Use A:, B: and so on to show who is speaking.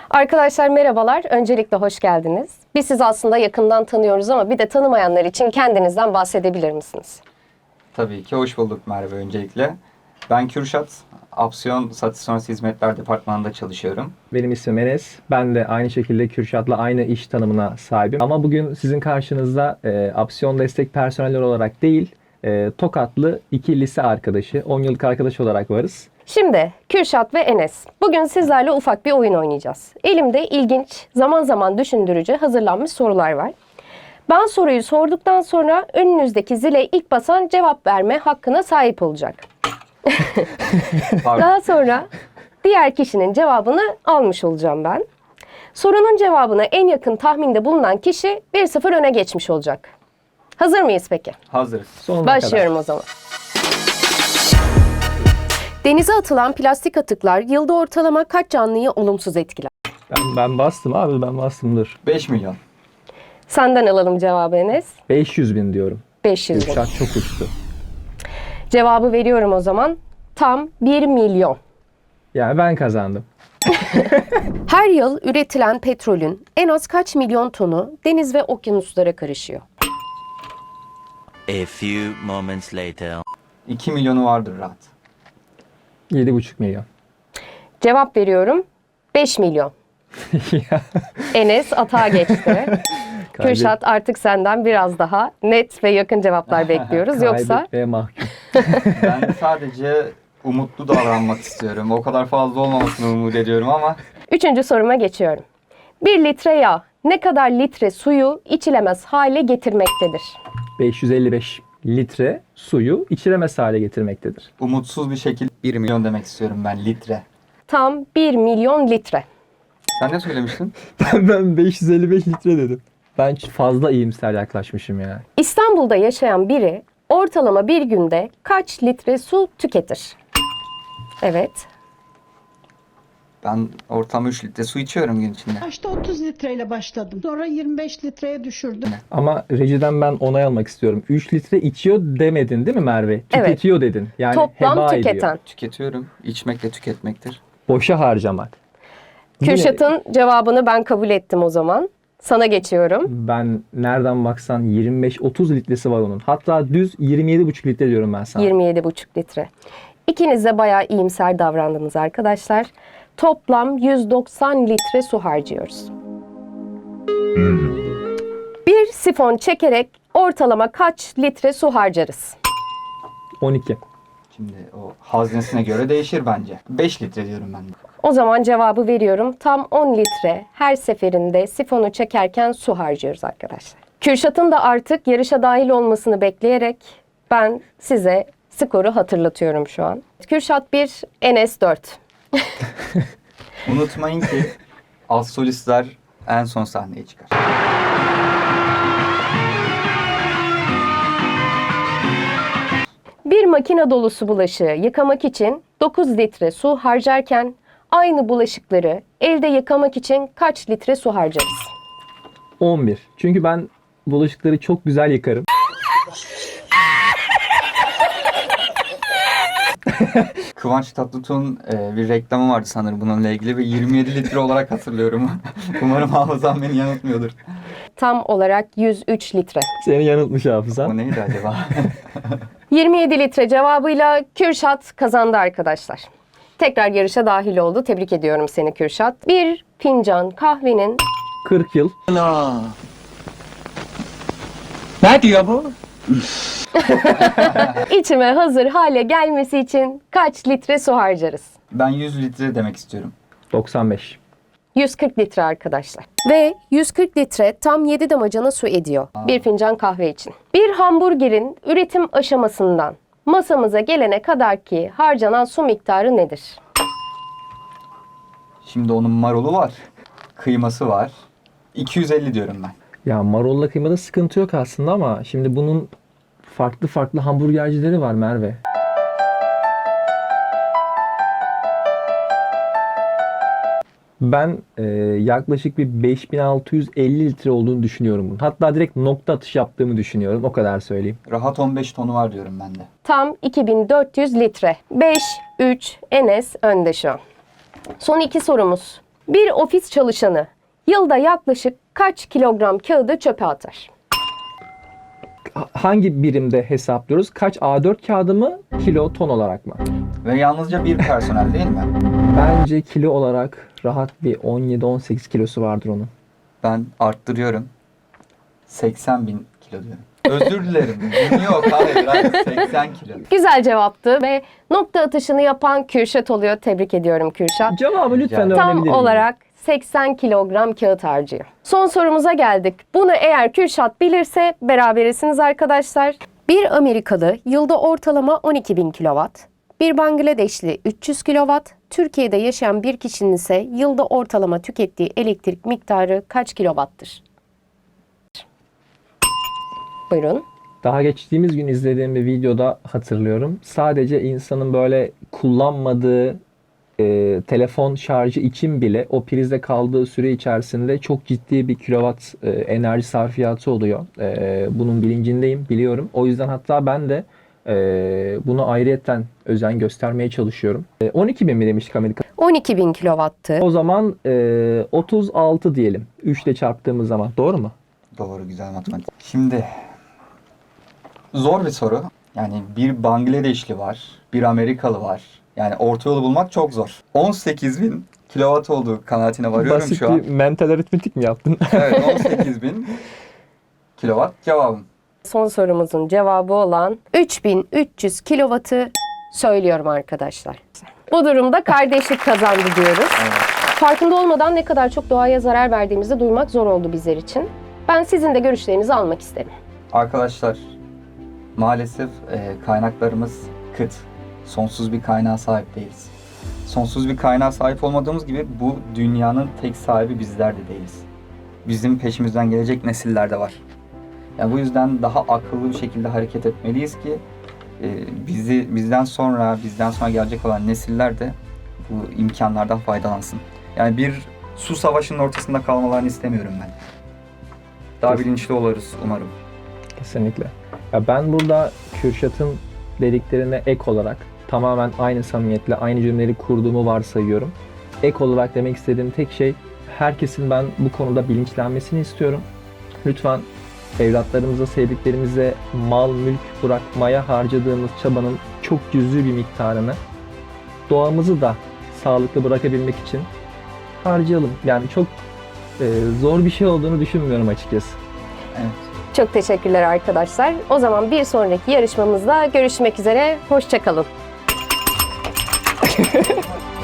A: Arkadaşlar merhabalar. Öncelikle hoş geldiniz. Biz sizi aslında yakından tanıyoruz ama bir de tanımayanlar için kendinizden bahsedebilir misiniz?
B: Tabii ki hoş bulduk Merve öncelikle. Ben Kürşat, Opsiyon Satış Sonrası Hizmetler Departmanı'nda çalışıyorum.
C: Benim ismim Enes. Ben de aynı şekilde Kürşat'la aynı iş tanımına sahibim. Ama bugün sizin karşınızda opsiyon destek personeli olarak değil, Tokatlı iki lise arkadaşı, 10 yıllık arkadaş olarak varız.
A: Şimdi Kürşat ve Enes, bugün sizlerle ufak bir oyun oynayacağız. Elimde ilginç, zaman zaman düşündürücü hazırlanmış sorular var. Ben soruyu sorduktan sonra önünüzdeki zile ilk basan cevap verme hakkına sahip olacak.
B: Pardon.
A: Daha sonra diğer kişinin cevabını almış olacağım ben. Sorunun cevabına en yakın tahminde bulunan kişi 1-0 öne geçmiş olacak. Hazır mıyız peki?
B: Hazırız.
C: Sonuna
A: Başlıyorum o zaman. Denize atılan plastik atıklar yılda ortalama kaç canlıyı olumsuz etkiler?
C: Ben bastım abi, ben bastım dur.
B: 5 milyon.
A: Senden alalım cevabı Enes.
C: 500 bin diyorum.
A: 500 bin.
C: Kürşat çok uçtu.
A: Cevabı veriyorum o zaman. Tam 1 milyon.
C: Yani ben kazandım.
A: Her yıl üretilen petrolün en az kaç milyon tonu deniz ve okyanuslara karışıyor?
D: A few moments later.
B: 2 milyonu vardır rahat.
C: 7,5 milyon.
A: Cevap veriyorum. 5 milyon.
C: Ya,
A: Enes atağa geçti. Kürşat artık senden biraz daha net ve yakın cevaplar bekliyoruz. Yoksa
C: kaybetmeye mahkum.
B: Ben sadece umutlu davranmak istiyorum. O kadar fazla olmamasını umut ediyorum ama
A: 3. soruma geçiyorum. 1 litre yağ ne kadar litre suyu içilemez hale getirmektedir?
C: 555 litre suyu içilemez hale getirmektedir.
B: umutsuz bir şekilde 1 milyon demek istiyorum ben litre.
A: Tam 1 milyon litre.
B: Sen ne söylemiştin?
C: Ben 555 litre dedim. Ben fazla iyimser yaklaşmışım ya.
A: İstanbul'da yaşayan biri ortalama bir günde kaç litre su tüketir? Evet.
B: Ben ortalama 3 litre su içiyorum gün içinde.
E: Başta 30 litreyle başladım. Sonra 25 litreye düşürdüm.
C: Ama rejiden ben onay almak istiyorum. 3 litre içiyor demedin değil mi Merve? Tüketiyor dedin. Yani
A: Toplam
C: heba
A: tüketen.
C: ediyor.
B: Tüketiyorum. İçmek de tüketmektir.
C: Boşa harcamak.
A: Kürşat'ın cevabını ben kabul ettim o zaman. Sana geçiyorum.
C: Ben nereden baksan 25-30 litresi var onun. Hatta düz 27,5 litre diyorum ben sana.
A: 27,5 litre. İkiniz de bayağı iyimser davrandınız arkadaşlar. Toplam 190 litre su harcıyoruz. Bir sifon çekerek ortalama kaç litre su harcarız?
C: 12.
B: Şimdi o haznesine göre değişir bence. 5 litre diyorum ben de.
A: O zaman cevabı veriyorum. Tam 10 litre her seferinde sifonu çekerken su harcıyoruz arkadaşlar. Kürşat'ın da artık yarışa dahil olmasını bekleyerek ben size skoru hatırlatıyorum şu an. Kürşat 1, Enes 4.
B: Unutmayın ki az solistler en son sahneye çıkar.
A: Bir makine dolusu bulaşığı yıkamak için 9 litre su harcarken aynı bulaşıkları elde yıkamak için kaç litre su harcarız?
C: 11. Çünkü ben bulaşıkları çok güzel yıkarım.
B: Kıvanç Tatlıtuğ'un bir reklamı vardı sanırım bununla ilgili ve 27 litre olarak hatırlıyorum. Umarım hafızam beni yanıltmıyordur.
A: Tam olarak 103 litre.
C: Seni yanıltmış hafıza.
B: O neydi acaba?
A: 27 litre cevabıyla Kürşat kazandı arkadaşlar. Tekrar yarışa dahil oldu. Tebrik ediyorum seni Kürşat. Bir fincan kahvenin
C: 40 yıl.
D: Ne diyor bu?
A: içime hazır hale gelmesi için kaç litre su harcarız?
B: Ben 100 litre demek istiyorum.
C: 95.
A: 140 litre arkadaşlar. Ve 140 litre tam 7 damacana su ediyor. Bir fincan kahve için. Bir hamburgerin üretim aşamasından masamıza gelene kadar ki harcanan su miktarı nedir?
B: Şimdi onun marulu var. Kıyması var. 250 diyorum ben.
C: Ya marolla kıymada sıkıntı yok aslında ama şimdi bunun farklı farklı hamburgercileri var Merve. Ben yaklaşık bir 5650 litre olduğunu düşünüyorum bunun. Hatta direkt nokta atış yaptığımı düşünüyorum. O kadar söyleyeyim.
B: Rahat 15 tonu var diyorum ben de.
A: Tam 2400 litre. 5-3 Enes önde şu an. Son iki sorumuz. Bir ofis çalışanı yılda yaklaşık kaç kilogram kağıdı çöpe atar?
C: Hangi birimde hesaplıyoruz? Kaç A4 kağıdı mı, kilo, ton olarak mı?
B: Ve yalnızca bir personel değil mi?
C: Bence kilo olarak rahat bir 17-18 kilosu vardır onun.
B: Ben arttırıyorum. 80 bin kilo diyorum. Özür dilerim. Yok, hayır 80 kilo.
A: Güzel cevaptı ve nokta atışını yapan Kürşat oluyor. Tebrik ediyorum Kürşat.
C: Cevabı lütfen
B: Tam
C: öğrenebilir
A: Tam
C: miyim?
A: olarak 80 kilogram kağıt harcıyor. Son sorumuza geldik. Bunu eğer Kürşat bilirse berabersiniz arkadaşlar. Bir Amerikalı yılda ortalama 12.000 kilowatt, bir Bangladeşli 300 kilowatt, Türkiye'de yaşayan bir kişinin ise yılda ortalama tükettiği elektrik miktarı kaç kilowattır? Buyurun.
C: Daha geçtiğimiz gün izlediğim bir videoda hatırlıyorum. Sadece insanın böyle kullanmadığı telefon şarjı için bile o prizde kaldığı süre içerisinde çok ciddi bir kilowatt enerji sarfiyatı oluyor. Bunun bilincindeyim, biliyorum. O yüzden hatta ben de bunu ayrıyetten özen göstermeye çalışıyorum. 12.000 mi demiştik Amerika?
A: 12.000 kilowattı.
C: O zaman 36 diyelim. 3 ile çarptığımız zaman. Doğru mu?
B: Doğru, güzel matematik. Şimdi zor bir soru. Yani bir Bangladeşli var, bir Amerikalı var. Yani orta yolu bulmak çok zor. 18 bin kilowatt olduğu kanaatine varıyorum
C: Basit
B: şu an.
C: bir mental aritmetik mi yaptın?
B: Evet, 18 bin kilowatt cevabım.
A: Son sorumuzun cevabı olan 3300 kilowattı söylüyorum arkadaşlar. Bu durumda kardeşlik kazandı diyoruz.
B: Evet.
A: Farkında olmadan ne kadar çok doğaya zarar verdiğimizi duymak zor oldu bizler için. Ben sizin de görüşlerinizi almak isterim.
B: Arkadaşlar, maalesef kaynaklarımız kıt. Sonsuz bir kaynağa sahip değiliz. Sonsuz bir kaynağa sahip olmadığımız gibi bu dünyanın tek sahibi bizler de değiliz. Bizim peşimizden gelecek nesiller de var. Yani bu yüzden daha akıllı bir şekilde hareket etmeliyiz ki bizden sonra gelecek olan nesiller de bu imkanlardan faydalansın. Yani bir su savaşının ortasında kalmalarını istemiyorum ben. Daha bilinçli oluruz umarım.
C: Kesinlikle. Ya ben burada Kürşat'ın dediklerine ek olarak tamamen aynı samimiyetle aynı cümleleri kurduğumu varsayıyorum. Ek olarak demek istediğim tek şey, herkesin ben bu konuda bilinçlenmesini istiyorum. Lütfen evlatlarımıza, sevdiklerimize mal, mülk bırakmaya harcadığımız çabanın çok cüzi bir miktarını doğamızı da sağlıklı bırakabilmek için harcayalım. Yani çok zor bir şey olduğunu düşünmüyorum açıkçası.
B: Evet.
A: Çok teşekkürler arkadaşlar. O zaman bir sonraki yarışmamızda görüşmek üzere. Hoşça kalın.